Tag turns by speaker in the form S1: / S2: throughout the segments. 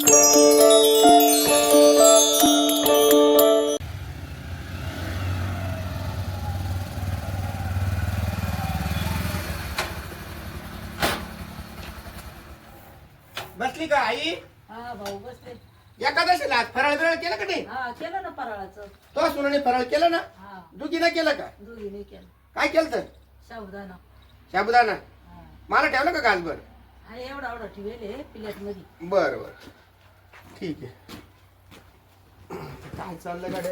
S1: बसली का आई?
S2: हा भाऊ बसले.
S1: एकादशीला आज फराळ बिराळ केलं का नाही?
S2: हा केलं ना फराळाचं.
S1: तो सुनाने फराळ केलं ना?
S2: हा
S1: दुखीनं केलं का?
S2: दोघीने केलं.
S1: काय केलं तर?
S2: साबुदाणा.
S1: साबुदाणा.
S2: हा
S1: मला ठेवलं का गाजभर?
S2: हा एवढा एवढा ठेवले प्लेट मध्ये.
S1: बर बर ठीक आहे. काय चाललं गाड्या?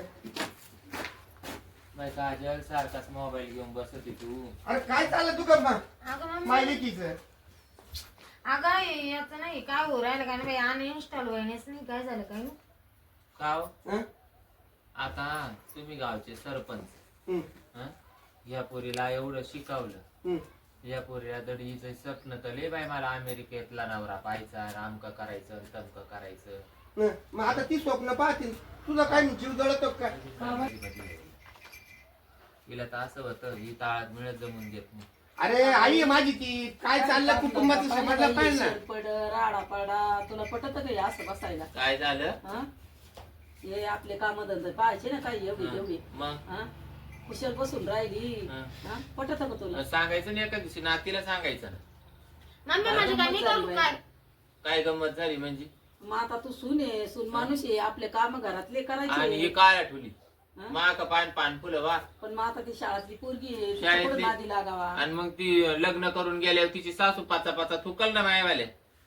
S3: बाई काजल सारखाच मोबाईल घेऊन बसत तू.
S1: अरे काय चाललं तू गप्पा?
S4: अगं मम्मी,
S1: मायलेकीचं
S4: अगं याचं नाही काय हो राहिलं काय नाही अनइन्स्टॉल व्हायनेच नाही काय झालं काय नाही.
S3: काव
S1: हं?
S3: आता तुम्ही गावचे सरपंच
S1: हं,
S3: हं? या पोरीला एवढं शिकवलं.
S1: हं.
S3: या पोरीला दडीचं स्वप्न तर लय बाई मला अमेरिकेतला नवरा पाहायचा रामक करायचं तमक करायचं.
S1: हं. मग आता ती स्वप्न पाहतील तुझा काय जीव जळतो काय?
S3: तिला तर असं होतं ही ताळात मिळत जमून देत नाही.
S1: अरे आई माझी ती काय चाललं कुटुंबाचं समजलं पाहिजे ना.
S2: पड राडा पडा तुला पटत का हे असं बसायला?
S3: काय झालं
S2: हा हे आपले काम धंदे पाहायचे ना काही एवढी तेवढी.
S3: मग
S2: हा कुशल बसून राहिली.
S3: हं.
S2: हा पटत का तुला?
S3: सांगायचं नाही एका दिवशी नातीला सांगायचं ना.
S4: मम्मी माझी काय मी करू काय?
S3: काय गंमत झाली म्हणजे?
S2: मग आता तू सून आहे सून माणूस आहे आपले काम घरातले
S3: आणि ही
S2: करायचे.
S3: काय आठवली
S2: हं?
S3: माक पान पान फुलं वा.
S2: पण मग आता ती शाळातली पोरगी आहे तिच्या
S3: शाळेतली-
S2: पुढं नादी लागावा.
S3: आणि मग ती लग्न करून गेल्यावर तिची सासू पाचा पाचा थुकल ना मायवाले.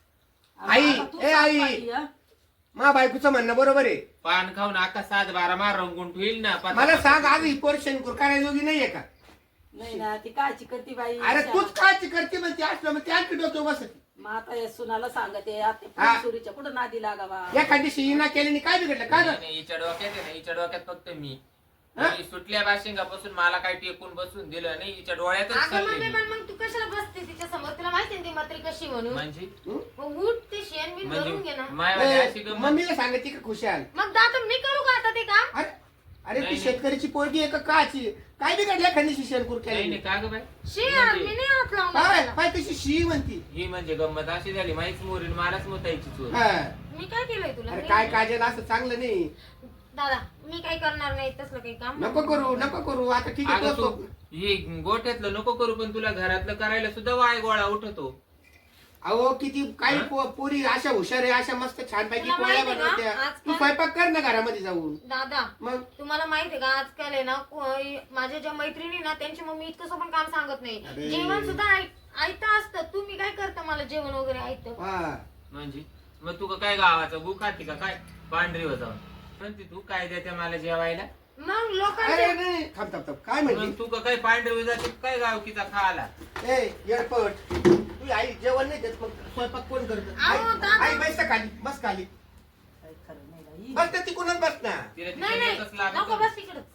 S1: आई,
S2: आता तू
S1: ए
S2: सांग
S1: आई.
S2: बाई, हा?
S1: मा बायकोचं म्हणणं बरोबर आहे.
S3: पान खाऊन आका 7-12 मार रंगून ठेईल ना पाचा
S1: मला
S3: पाचा.
S1: सांग आज ही पोर शेणकूर करायला जोगी नाहीये का?
S2: नाही ना ती काळजी करते बाई.
S1: अरे तूच काळजी करते म्हणते असलं मग त्या डोक्यावर बसत.
S2: मग आता या सुनाला सांगते आता
S1: हा.
S2: सुरीच्या पुढे नादी लागावा.
S1: एखादी शिना केल्याने काय बिघडलं काय
S3: नाही,
S1: झालं?
S3: नाही, हिच्या डोक्यात आहे ना हिच्या डोक्यात फक्त मी.
S1: हा?
S3: मी सुटल्या बाशिंगापासून मला काय टेकून बसून दिलं नाही हिच्या डोळ्यातच
S4: अगं
S3: चालले
S4: मम्मी
S3: मी.
S4: पण मग तू कशाला बसते तिच्या समोर तुला माहिती ती मात्री कशी म्हणून
S3: म्हणजे
S4: मग उठ ते शेण बिन भरून घे ना.
S3: मायवाले अशी गंमत.
S1: मम्मीला सांगायची का खुशाल?
S4: मग दादा मी करू का आता ते काम?
S1: अरे अरे ती
S3: नाही,
S1: शेतकऱ्याची पोरगी आहे का काची? काय बिघडल्या एखादी शेणकूर
S3: नाही
S1: केली?
S3: नाही का ग बाई
S4: शी यार, मी नाही हात लावणार
S1: काय
S4: त्याला.
S1: काय तशी शी म्हणती?
S3: ही म्हणजे गंमत अशी झाली माहीच मोरीन मलाच मोतायची चोर.
S1: हा.
S4: मी काय केलंय तुला?
S1: अरे
S4: मी-
S1: काय काजल असं चांगलं नाही.
S4: दादा मी काय करणार नाही तसलं काही काम.
S1: नको करू आता ठीक आहे
S3: अगं
S1: तो-
S3: तू ही गोठ्यातलं नको करू पण तुला घरातलं करायला सुद्धा वाय गोळा उठतो.
S1: अहो किती काही
S3: हा?
S1: पोरी अशा हुशार आहे अशा मस्त छानपैकी
S4: तुला
S1: पोळ्या
S4: माहिती आहे का?
S1: बनवत्या.
S4: आजकाल-
S1: तू स्वयंपाक कर ना घरामध्ये जाऊन.
S4: दादा
S1: मग
S4: तुम्हाला माहितीये का आजकाल आहे ना माझ्या ज्या मैत्रिणी ना त्यांची मम्मी इतकं पण काम सांगत
S1: अरे.
S4: नाही. जेवण सुद्धा ऐकतं असतं. तुम्ही काय करता मला जेवण वगैरे ऐकतं?
S1: हा
S3: म्हणजे मग तू काय गावाचं भूक खाती का काय पांढरी हो जाऊन म्हणते तू काय देते मला जेवायला.
S4: मग
S1: अरे
S4: लोकांचे
S1: नाही थांब काय म्हणली?
S3: मग तू काय पांढरी हो जाते काय गावकीचा खाला.
S1: ए येडपट तू आई जेवण नाही देत मग स्वयंपाक कोण करत?
S4: अहो, दादा.
S1: आई बस ना खाली बस खाली
S2: काही खरं नाही बाई.
S1: बस तर तिकडूनच बस ना.
S3: तिला तिथे
S4: नाही
S3: एकच
S4: नाही
S3: लागत
S4: नको
S3: होती.
S4: बस तिकडच.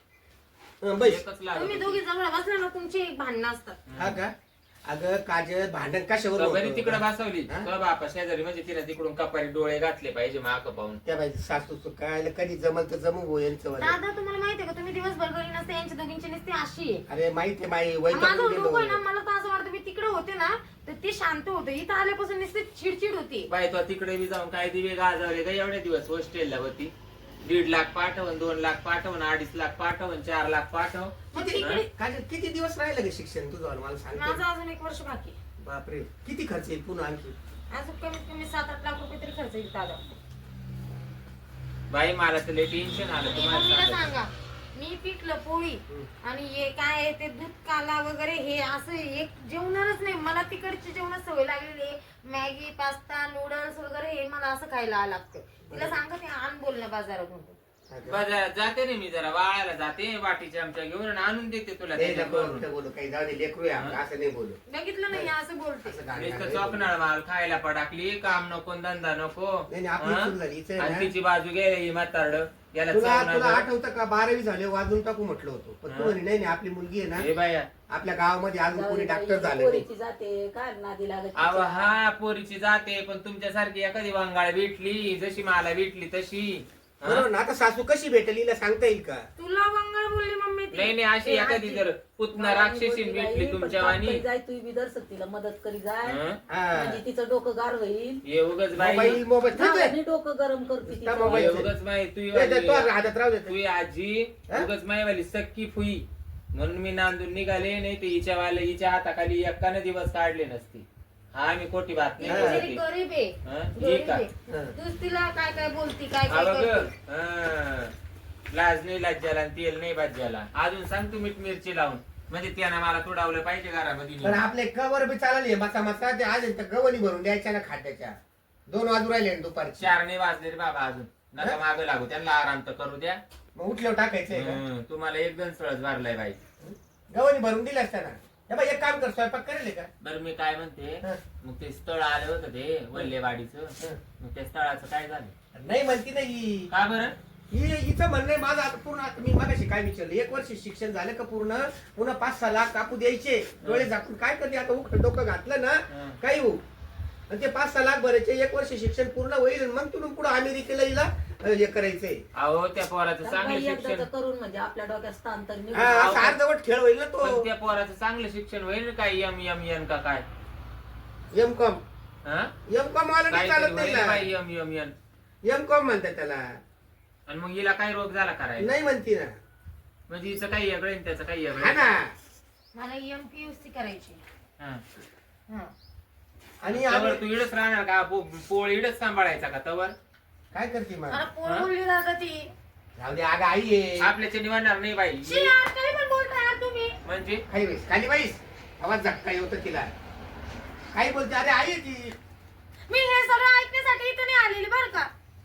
S1: बस
S3: एकच लागत
S4: तुम्ही
S3: होती.
S4: दोघी जवळ बसले ना तुमची भांडणं असतात.
S1: हा का? अगं काजल भांडण कशावर
S3: तर
S1: होतं?
S3: बरी तिकडे बसवली
S1: हा?
S3: तर बापा शेजारी म्हणजे तिला तिकडून कपारी डोळे घातले पाहिजे माक पाहून.
S1: त्या बाई सासू काय कधी जमल तर जमू गो यांचं वालं.
S4: दादा तुम्हाला माहितीये का तुम्ही दिवसभर घरी नसते यांच्या दोघींची नसते अशी आहे.
S1: अरे माहिती माई
S4: माझं
S1: वैतागून
S4: डोकं आहे ना
S1: गेलो.
S4: मला तर असं वाटतं मी तिकडे होते ना तर ते शांत होते. इथं आल्यापासून नुसते चिडचिड होती.
S3: बाई तो तिकडे बी जाऊन काय दिवे गाजवले का एवढे दिवस हॉस्टेलला होती. 1.5 लाख पाठवून 2 लाख पाठवून 2.5 लाख पाठवून 4 लाख पाठव.
S4: मग
S1: किती
S4: तिकडे
S1: काजल किती दिवस राहिलं ग शिक्षण तुझं मला सांग.
S4: माझं अजून 1 वर्ष बाकी आहे.
S1: बापरे किती खर्च येईल पुन्हा आणखी?
S4: अजून कमीत कमी 7-8 लाख रुपये तरी खर्च येईल दादा.
S3: बाई मला तर लय टेन्शन आलं
S4: आणि
S3: तुम्हाला
S4: मम्मीला
S3: सांगते.
S4: सांगा मी पिठलं पोळी आणि हे काय आहे ते दूध काला वगैरे हे असं एक जेवणारच नाही. मला तिकडची जेवणात सवय लागलेली आहे. मॅगी पास्ता नूडल्स वगैरे हे मला असं खायला लागतं. तिला सांगा ते आण बोलणं बाजारातून.
S3: बाजारात जाते रे मी जरा वाळायला जाते वाटीच्या आमच्या घेऊन आणि आणून देते तुला त्याच्या करून.
S1: बोलू काही जाऊ दे लेकरू आहे आपलं, असं नाही बोलू.
S4: बघितलं नाही असं बोलते.
S1: असं गाणं
S3: नुसतं
S1: गाणं.
S3: चॉकनाळ माल खायला पडाकली काम नको धंदा नको.
S1: नाही, नाही, आपली
S3: हं?
S1: चूक झाली. हिचं आहे
S3: आणि
S1: ना.
S3: तिची बाजू गेली ही म्हातारड याला
S1: तुला
S3: चवणार
S1: तुला
S3: नाही.
S1: आठवतं का 12वी झाले वाजून टाकू म्हटलं होतं पण तू
S3: हा.
S1: म्हणे नाही नाही आपली मुलगी आहे
S3: हे
S1: ना
S3: बाया
S1: आपल्या गावामध्ये अजून कोणी डॉक्टर झालं नाही.
S2: पोरीची जाते काय नादी लागत.
S3: अव हा पोरीची जाते पण तुमच्यासारखी एखादी वांगाळ भेटली जशी मला भेटली तशी
S1: बरोबर ना. आता सासू कशी भेटेल हिला सांगता येईल का?
S4: तुला मंगळ बोलली मम्मी ती.
S3: नाही अशी एखादी जर पुतना राक्षसीन भेटली तुमच्या वाणी
S2: जाय तू बी दर्शक तिला मदत करी जाय
S3: हं?
S2: म्हणजे तिचं डोकं गार होईल
S3: ये उगाच बाई
S1: मोबाईल
S2: नावाने डोकं गरम करते तिचं.
S1: मोबाईल.
S3: ये उगाच माई तू
S1: हातात राहू देते.
S3: तुझी आजी
S1: हं?
S3: उगाच माईवाली सक्की फुई म्हणून मी नांदून निघाले नाही ते हिच्या हाताखाली एकानं दिवस काढले नसते. हा मी खोटी बात
S4: ती
S3: नाही
S4: बिचारी
S3: बोलत
S4: गरीब आहे.
S3: हं? ही
S4: गरीब
S3: का
S4: आहे. तूच तिला काय काय बोलती काय
S3: हा
S4: काय
S3: बघ
S4: करते.
S3: लाज नाही लाज्याला आणि तेल नाही भाज्याला. अजून सांग तू मीठ मिरची लावून म्हणजे त्यानं मला तुडावलं पाहिजे
S1: पण
S3: घरामध्ये.
S1: आपले गवर बी चालले मसा मसा ते आज गवणी भरून द्यायच्या ना खाद्याच्या. 2 वाजू राहिले ना दुपारची.
S3: 4 नाही वाजले रे बाबा अजून नका मागं लागू त्यांना आराम तर करू द्या.
S1: मग उठल्यावर टाकायचंय का?
S3: तुम्हाला एकदम सळच भरलाय बाई.
S1: गवणी भरून दिला असताना. हे बाई एक काम कर, स्वयंपाक करेल का?
S3: बरं मी काय म्हणते
S1: हं.
S3: मग ते स्थळ आलं होतं ते वल्लेवाडीचं
S1: हं.
S3: मग त्या स्थळाचं काय झालं?
S1: नाही म्हणती नाही.
S3: का बरं?
S1: हिचं म्हणणं आहे माझं आता पूर्ण. आता मी मगाशी काय विचारलं, 1 वर्ष शिक्षण झालं का पूर्ण, पुन्हा 5-6 लाख कापू द्यायचे. डोळे झाकून काय करते आता? डोकं घातलं ना
S3: हं.
S1: काही होऊ. आणि ते 5-6 लाख भरायचे, 1 वर्ष शिक्षण पूर्ण होईल आणि मग तुम्ही पुढे अमेरिकेला हिला हे करायचंय.
S3: अहो त्या पोराचं
S2: तर
S3: चांगलं
S2: बाई एकदाचं
S3: शिक्षण
S2: करून म्हणजे आपल्या डोक्यात स्थान तर निघून.
S1: हा, असं अर्धवट खेळ होईल ना
S3: पण
S1: तो.
S3: त्या पोराचं चांगलं शिक्षण होईल ना काय एम का काय?
S1: एम.कॉम
S3: हा?
S1: वाला नाही चालत
S3: काहीतरी
S1: नाही
S3: होईल
S1: ना.
S3: बाई एम
S1: एम.कॉम म्हणतात त्याला.
S3: आणि मग हिला काय रोग झाला करायला?
S1: नाही म्हणती ना.
S3: म्हणजे हिचं काही वेगळं आणि त्याचं काही
S1: हा
S3: वेगळं.
S1: ना.
S4: मला MPUC करायची.
S3: हा.
S4: हं.
S1: आणि
S3: तवर
S1: आम्ही-
S3: तू इडच राहणार का? पोळ इडच सांभाळायचा का तवर?
S1: काय करते मग?
S4: मला पोर बोलली दादा ती.
S1: राहू दे, अगं आई आहे.
S3: आपल्याच्या निवडणार नाही बाई.
S4: शी यार, काही पण बोलता यार तुम्ही.
S3: म्हणजे
S1: खाली बैस, खाली बैस. आवाज झटका होतं तिला. काही बोलते? अरे आई आहे ती.
S4: मी हे सगळं ऐकण्यासाठी इथं नाही आलेली बरं का.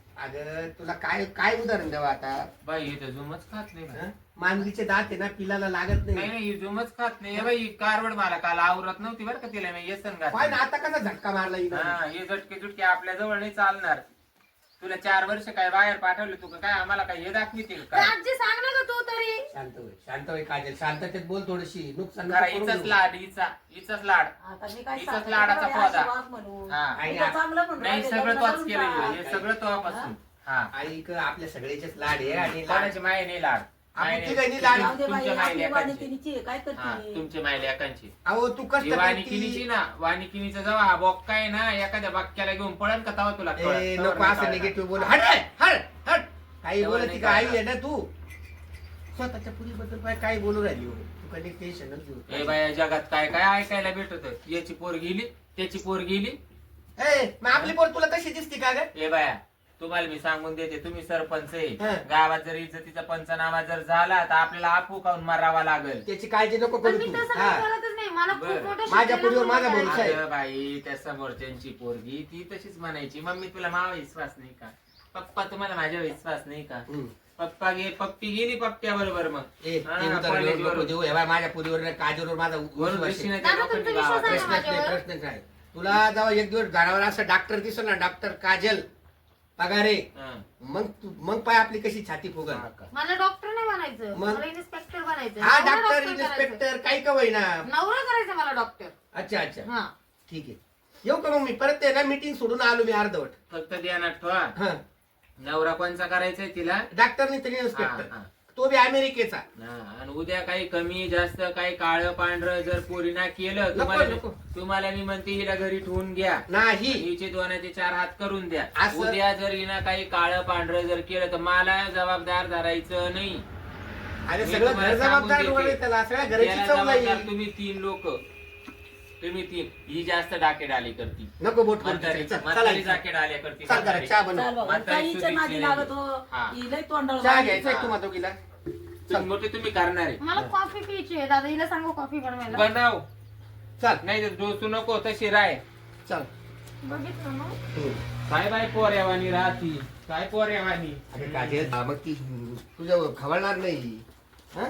S1: अगं तुला काय काय उदाहरण द्यावं आता?
S3: बाई हे तर जुमच खात नाही बाई.
S1: हं? मानवीचे दात आहे ना, पिलाला लागत
S3: नाही
S1: नाही.
S3: नाही ही जुमच खात नाही. हे बाई ही कारवड मला काल आवरत नव्हती बरं का तिला मी येसन
S1: पाय ना
S3: घातलं.
S1: आता कसा झटका मारला हिनं.
S3: हा हे झटके झुटके आपल्या जवळ नाही चालणार. तुला 4 वर्ष काय बाहेर पाठवलं तू का काय आम्हाला काय हे दाखवितील
S4: तर
S3: काय?
S4: आजी सांग ना ग तू तरी.
S1: शांत होय काजल, शांततेत बोल थोडीशी. नुकसान
S3: खरा
S1: नको करून
S3: हिचाच
S1: घेऊ.
S3: लाड हिचाच लाड.
S2: आता मी काय
S3: हिचाच
S2: सांगते,
S3: लाडाचा
S2: बाई,
S3: पौधा.
S2: अशी वाग म्हणून.
S3: हा.
S1: आई
S2: तिथं चांगलं म्हणून
S3: नाही
S2: राहिले,
S3: सगळं
S2: लग्न
S3: तोच
S2: करून
S3: केलेलं
S2: टाक.
S3: हे सगळं तोपासून. हा
S1: आई आपल्या सगळ्याचेच लाड आहे आणि लाड
S3: कोणाची माय नाही लाड.
S1: आपली
S3: माय नाही.
S1: तिघांनी लाड.
S2: जाऊ दे बाई,
S3: तुमच्या
S2: आपली
S3: मायलेकांची.
S2: वाणिकिनीची आहे, काय
S3: हा
S2: करते?
S3: तुमच्या मायलेकांची.
S1: अहो तू कष्ट
S3: ही वानिकिनीची
S1: करती.
S3: ना वानिकिनीचा जेव्हा हा बॉक्का आहे ना एखाद्या बाक्याला घेऊन पळेल का तवा तुला कळेल.
S1: ए,
S3: तवर
S1: नको
S3: नाही
S1: असं
S3: कळणार.
S1: निगेटिव्ह बोल. हट रे, हट हट. काही
S3: तेव्हा
S1: बोलत
S3: नाही
S1: का आई
S3: कळणार.
S1: आहे ना तू. स्वतःच्या पुरीबद्दल काय काय बोलू राहिली हो? तू कधी टेन्शनच घेऊ.
S3: ए बाया जगात काय काय ऐकायला भेटत. याची पोर गेली त्याची पोर गेली.
S1: ए, मग आपली पोर तुला तशी दिसती का ग?
S3: ए बाया तुम्हाला मी सांगून देते तुम्ही सरपंच आहे.
S1: हं.
S3: गावात जर इज्जतीचा पंचनामा जर झाला तर आपल्याला आपू खाऊन मारावा लागेल.
S1: त्याची काळजी नको
S4: पण
S1: करू
S4: मी
S1: तू.
S4: तसं
S1: हा.
S4: काही करतच नाही. मला खूप
S3: बरं.
S4: मोठं
S1: माझ्या
S4: शिक्षण
S1: पुरीवर
S4: पूर्ण
S1: माझा
S4: करायचं.
S1: भरोसा आहे.
S3: अगं बाई त्या समोरच्यांची पोरगी ती तशीच म्हणायची मम्मी तुला मावा विश्वास नाही का? पप्पा तुम्हाला माझ्या विश्वास नाही का?
S1: हम्म.
S3: पप्पी गेली पप्प्या बरोबर मग
S1: ए,
S3: हा,
S1: ते उदाहरण
S3: कॉलेजवर.
S1: नको देऊ. हे बाय, माझ्या पुरीवर नाही, काजलवर माझा
S3: वरून
S1: विश्वास आहे.
S3: ऋषीने
S4: दादा,
S3: त्या
S4: तुमचा
S3: लोकांनी
S4: विश्वास आहे
S3: गावात-
S4: ना?
S1: प्रश्नच नाही, प्रश्नच नाही. तुला जेव्हा एक दिवस घरावर असं डॉक्टर दिसलं ना, डॉक्टर काजल पगारे,
S3: हं.
S1: मग पाय आपली कशी छाती फुगल.
S3: हा का?
S4: मला डॉक्टर नाही बनायचं.
S1: मग?
S4: मला इन्स्पेक्टर बनायचं.
S1: हा
S4: नवरा
S1: डॉक्टर
S4: करायचं.
S1: इन्स्पेक्टर काही का होईना.
S4: नवरा करायचं मला डॉक्टर.
S1: अच्छा अच्छा
S4: हा.
S1: ठीक आहे. येऊ का मग मी परत आहे ना मीटिंग सोडून आलो मी अर्धवट.
S3: फक्त ध्यानात ठेवा
S1: हा
S3: नवरा कोणचा करायचाय तिला.
S1: डॉक्टर नाही तरी
S3: हा,
S1: इन्स्पेक्टर.
S3: हा.
S1: तो बी अमेरिकेचा.
S3: हा, आणि उद्या काही कमी जास्त काही काळं पांढरं जर पोरीना केलं
S1: नको.
S3: तुम्हाला मी म्हणते हिला घरी ठेवून घ्या.
S1: नाही
S3: हिचे 2 4 हात करून द्या.
S1: असं-
S3: उद्या जर हिनं काही काळं पांढरं जर केलं तर मला जबाबदार धरायचं नाही.
S1: अरे
S3: मी
S1: सगळं
S3: तुम्हाला
S1: घर
S3: सांगून
S1: जबाबदार
S3: देते.
S1: डोळे त्याला सगळ्या घराची
S3: त्याला
S1: चव
S3: जबाबदार
S1: नाही.
S3: तुम्ही 3 लोक तुम्ही 3 ही जास्त डाकेडाली करती.
S1: नको बोट करू
S3: म्हातारी
S1: तिथे. चल,
S3: म्हातारी
S1: चला.
S3: डाकेडाली करती.
S1: चल जरा
S3: म्हातारी.
S1: चहा बनव.
S2: चाल बाबा,
S3: म्हातारी
S2: काहीच्या
S3: सुधीची
S2: नादी
S3: नाही.
S2: लागत हो.
S3: हा.
S2: ही लय तोंडाला
S1: चहा
S2: बांधली.
S1: घ्यायचा
S3: हा.
S1: तुम्हाला दोघीला.
S3: तुम्ही मोठे तुम्ही करणार आहे.
S4: मला कॉफी प्यायची आहे दादा. हिला सांगू कॉफी बनवायला.
S3: बनव
S1: चल
S3: नाही तर डोसू नको तशी राय.
S1: चल.
S4: बघितलं ना.
S3: काय बाय पोऱ्यावानी राहती काय पोऱ्यावानी.
S1: अरे काजल मग ती तुझ्या खवळणार नाही. हा?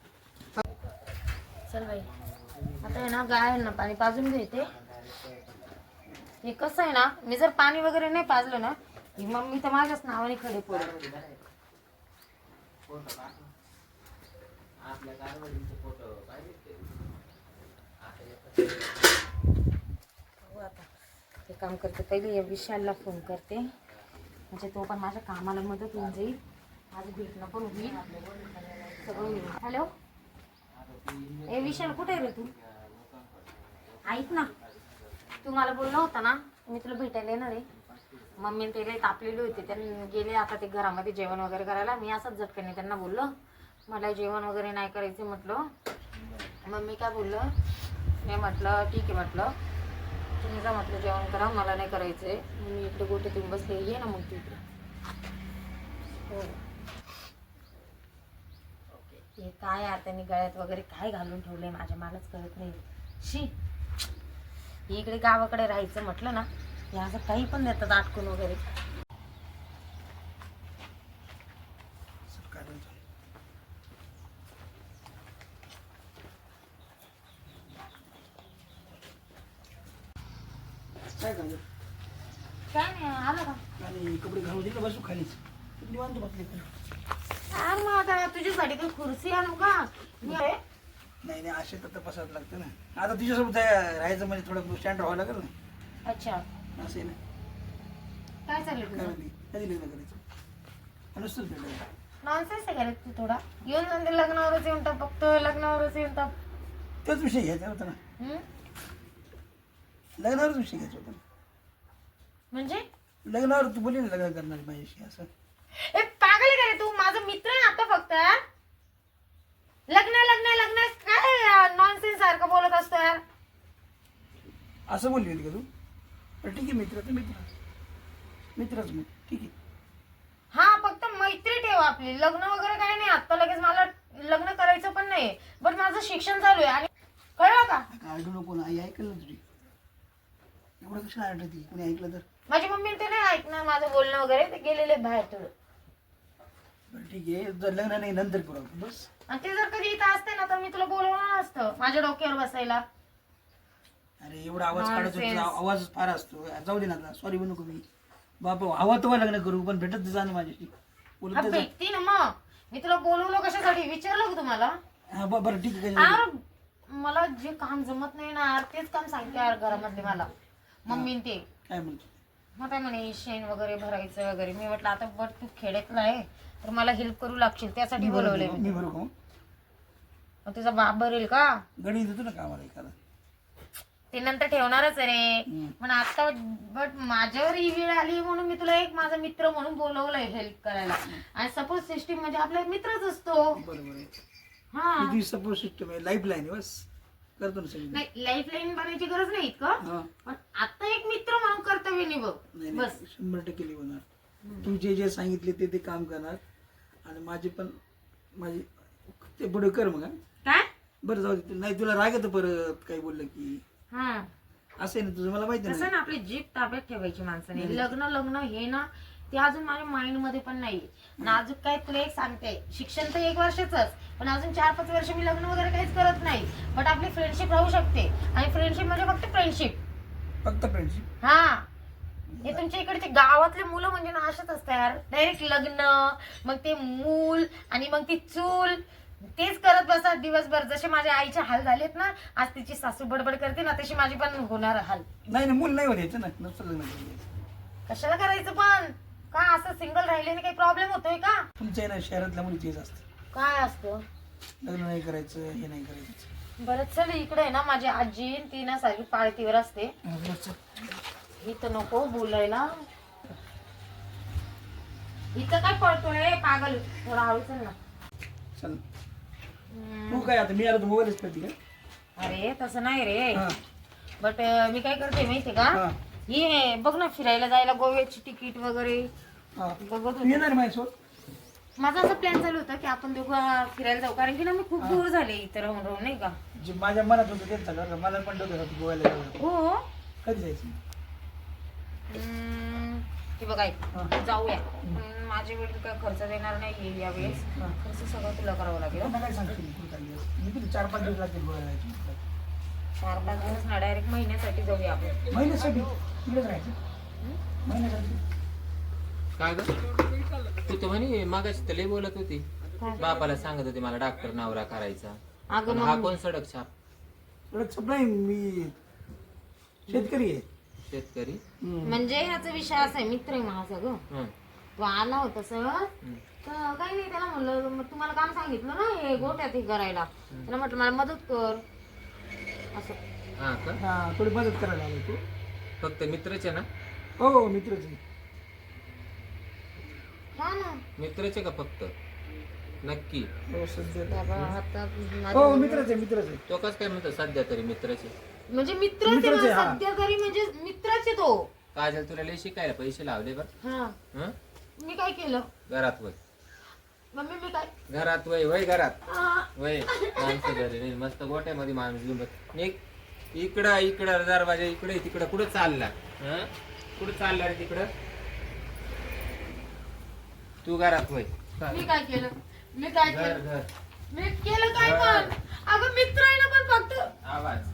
S4: चल बाई. आता आहे ना गाय ना पाणी पाजून घेते. हे कसं आहे ना, मी जर पाणी वगैरे नाही पाजलं ना, ही मम्मी तर माझ्याच नावाने खडे पडत.
S3: आपल्या कारवडीचे फोटो पाहिजे
S4: हो आता ते काम करते. पहिले या विशालला फोन करते. म्हणजे तो पण माझ्या कामाला मदत होऊन जाईल, माझं भेटणं पण होईल, सगळं होईल. हॅलो ए विशाल, कुठे आहे रे तू? ऐक ना, तू मला बोलला होता ना मी तुला भेटायला येणार आहे. मम्मी ते लई तापलेले होते, त्यांनी गेले आता ते घरामध्ये जेवण वगैरे करायला. मी असंच झटकने त्यांना बोललो मला जेवण वगैरे नाही करायचं म्हटलं. मम्मी काय बोललं, मी म्हटलं ठीक आहे, म्हटलं तुम्ही जा म्हटलं जेवण करा, मला नाही करायचंय. मी इकडे गोटे तुम्ही बसले, ये ना मग तू इकडे. हो हे काय यार त्यांनी गळ्यात वगैरे काय घालून ठेवलंय माझ्या, मलाच कळत नाही. शी इकडे गावाकडे राहायचं म्हटलं ना, हे असं काही पण देतात आटकून वगैरे.
S5: काय झालं?
S4: काय नाही आलं का?
S5: आणि कपडे घालू दिले बसू खालीच निवांत बसले.
S4: यार मग आता तुझ्यासाठी काही खुर्ची आणू का?
S5: नाही नाही असे तर तपासावं लागतं ना. आता तुझ्यासोबत राहायचं म्हणजे थोडं स्टँड राहावं लागेल ना.
S4: अच्छा
S5: असं आहे ना.
S4: काय चाललं
S5: काय
S4: तुझं?
S5: म्हणते कधी लग्न करायचं? नुसतंच भेटायचं.
S4: नॉनसेन्स आहे का रे तू थोडा? येऊन म्हणजे लग्नावरच येऊन टाक, फक्त लग्नावरच येऊन टाक.
S5: तोच विषय घ्यायचा होता ना.
S4: हम्म?
S5: लग्नावरच विषय घ्यायचा होता ना.
S4: म्हणजे
S5: लग्नावर तू बोलली ना लग्न करणार माझ्याशी असं.
S4: ए पागल आहे का रे तू? माझा मित्र आहे आता फक्त यार. लग्न लग्न लग्न काय नॉनसेन्स सारखं बोलत असतो यार.
S5: असं बोलली होती का तू? पण ठीक आहे, मित्र तर मित्रच मग ठीक आहे.
S4: हा फक्त मैत्री ठेव आपली, लग्न वगैरे काही नाही. आता लगेच मला लग्न करायचं पण नाही, पण माझं शिक्षण चालू आहे. आणि कळलं का?
S5: आरडू नको ना, आई ऐकलं ना तुझी. एवढं कशाला आरडती? कोणी ऐकलं तर?
S4: माझी मम्मी ते नाही ऐकणार माझं बोलणं वगैरे, ते गेलेले बाहेर थोडं.
S5: बरं ठीक आहे, जर लग्न नाही नंतर करू आपण बस.
S4: आणि ते जर कधी इथं असते ना तर मी तुला बोलवणार असतं माझ्या डोक्यावर बसायला.
S5: अरे एवढा आवाज काढत होता,
S4: Nonsense.
S5: आवाज फार असतो. जाऊ दे ना, सॉरी म्हणू का मी. बाबा हवा तेव्हा लग्न करू, पण भेटत जा ना माझ्याशी.
S4: हा
S5: बोलत जा.
S4: भेटती ना मग. मी तुला बोलवलं कशासाठी विचारलं का तुम्हाला?
S5: हा बरं ठीक आहे.
S4: यार मला जे काम जमत नाही ना यार, तेच काम सांगते यार घरामधले मला मम्मी ते.
S5: काय म्हणतो?
S4: मग काय म्हणे शेण वगैरे भरायचं वगैरे. मी म्हटलं आता बट तू खेड्यातला आहे तर मला हेल्प करू लागशील, त्यासाठी बोलवलंय
S5: मी
S4: मी.
S5: बरोबर का मग?
S4: मग तुझा बाप भरेल का?
S5: गणी देतो ना कामाला एखादा.
S4: ते नंतर ठेवणारच आहे रे.
S5: हम्म.
S4: पण आता बट माझ्यावर ही वेळ आली म्हणून मी तुला एक माझा मित्र म्हणून बोलवलंय हेल्प करायला. आणि सपोज सिस्टीम म्हणजे आपला मित्रच असतो.
S5: बरोबर आहे.
S4: हा
S5: तुझी सपोर्ट सिस्टम आहे, लाईफ लाईन आहे, बस करतो ना सगळी.
S4: नाही लाईफ लाईन बनायची गरज नाही का?
S5: हा
S4: पण आता एक मित्र म्हणून कर्तव्य निभव
S5: नाही
S4: बस.
S5: नाही 100% निवडणार. तू जे जे सांगितले ते काम करणार. आणि माझे पण माझे ते पुढे कर मग. हा?
S4: काय?
S5: बरं जाऊ दे. नाही तुला राग येतं परत काही बोललं की.
S4: हा
S5: असं आहे ना तुझं, मला माहिती
S4: तसं
S5: नाही.
S4: ना आपली जीभ ताब्यात ठेवायची माणसाने. लग्न लग्न हे ना ते अजून माझ्या माइंड मध्ये पण नाही. ना अजून काय तुला एक सांगते, शिक्षण तर 1 वर्षाचंच, पण अजून 4-5 वर्ष मी लग्न वगैरे काहीच करत नाही. बट आपली फ्रेंडशिप राहू शकते. आणि फ्रेंडशिप म्हणजे फक्त फ्रेंडशिप.
S5: फक्त फ्रेंडशिप.
S4: हा हे तुमच्या इकडचे गावातले मुलं म्हणजे ना अशाच असतात यार. डायरेक्ट लग्न, मग ते मूल आणि मग ती चूल, तेच करत बसतात दिवसभर. जसे माझ्या आईचे हाल झालेत ना, आज तिची सासू बडबड करते ना, तशी माझी पण होणार हाल.
S5: नाही ना, मूल नाही व्हायचं ना, नसतं लग्न करायचं.
S4: कशाला करायचं पण? का असं सिंगल राहिल्याने काही प्रॉब्लेम होतोय का?
S5: तुमच्या ना शहरातल्या मुली तेच असतं,
S4: काय असतं?
S5: लग्न नाही करायचं, हे नाही करायचं.
S4: बरं चल इकडे आहे ना माझी आजी, ती ना सारखी पाळतीवर असते. इथं नको बोलायला. इथं काय पळतोय पागल? थोडा हळू चल ना.
S5: चल तू काय आता मी आलो तर मोबाईलच करते का?
S4: अरे तसं नाही रे.
S5: हा.
S4: बट मी काय करते माहितीये का?
S5: हा.
S4: ये बघ ना फिरायला जायला गोव्याची तिकीट वगैरे
S5: हा.
S4: बघत
S5: तू
S4: होते.
S5: येणार माझ्यासोबत?
S4: माझा असा प्लॅन चालू होता की आपण दोघं फिरायला जाऊ, कारण की ना मी खूप दूर झाले इथं राहून राहून, नाही का?
S5: जे माझ्या मनात होतं तेच झालं का? मला पण डोक्यात होतं गोव्याला जायचं.
S4: हो.
S5: कधी जायचं?
S4: हे बघ ऐक,
S5: हा.
S4: जाऊया. माझे वडील काय खर्च देणार नाही यावेळेस.
S5: हा.
S4: खर्च सगळं तुला करावं लागेल.
S5: मला काय सांगशील तू काही दिवस? मी किती 4-5 दिवस लागतील गोव्याला जायचं.
S4: 4-5 दिवस ना, डायरेक्ट महिन्यासाठी जाऊया आपण.
S5: महिन्यासाठी तिकडेच राहायचं? महिन्यासाठी
S3: काय ग तू तर म्हणे मागाशी तर लय बोलत होती,
S4: काय?
S3: बापाला सांगत होती मला डॉक्टर नवरा करायचा.
S4: अगं
S3: पण हा
S4: मग
S3: कोण सडक छाप?
S5: एवढं सप्लाय मी शेतकरी आहे.
S3: शेतकरी.
S5: हम्म.
S4: म्हणजे ह्याचा विषय असा आहे, मित्र आहे माझा ग.
S3: हं.
S4: तो आला होता सहज तर काही नाही, त्याला म्हणलं मग तुम्हाला काम सांगितलं ना हे गोट्यात हे करायला, त्याला म्हटलं मला मदत कर असं.
S3: हा का?
S5: हा थोडी मदत करायला आलो तू.
S3: फक्त मित्रचे ना?
S5: हो मित्रच आहे.
S4: हा ना
S3: मित्रचे का फक्त? नक्की?
S5: हो सध्या
S4: बाबा आता
S5: हो मित्रच आहे मित्रच आहे.
S3: तो कस काय म्हणतो सध्या तरी मित्रचे?
S4: म्हणजे मित्रच आहे
S5: मित्रच आहे,
S4: ना,
S5: हा.
S4: सध्या तरी म्हणजे मित्रच आहे तो.
S3: काजल तुला लय शिकायला पैसे लावले बर.
S4: हा
S3: हं?
S4: मी काय केलं
S3: घरात वय,
S4: मम्मी मी काय
S3: घरात वय, वय घरात
S4: हा.
S3: वय. माणसं घरी नाही, मस्त गोट्यामध्ये माणूस घेऊन बस. निघ इकडं इकडं दरवाजा इकडे तिकडं. कुठं चालला? हं? कुठं चालला रे तिकडं? तू घरात वय.
S4: मी काय केलं मी काय
S3: घर
S4: केलं
S3: घर
S4: मी केलं काय पण अगं मित्र आहे ना पण फक्त
S3: आवाज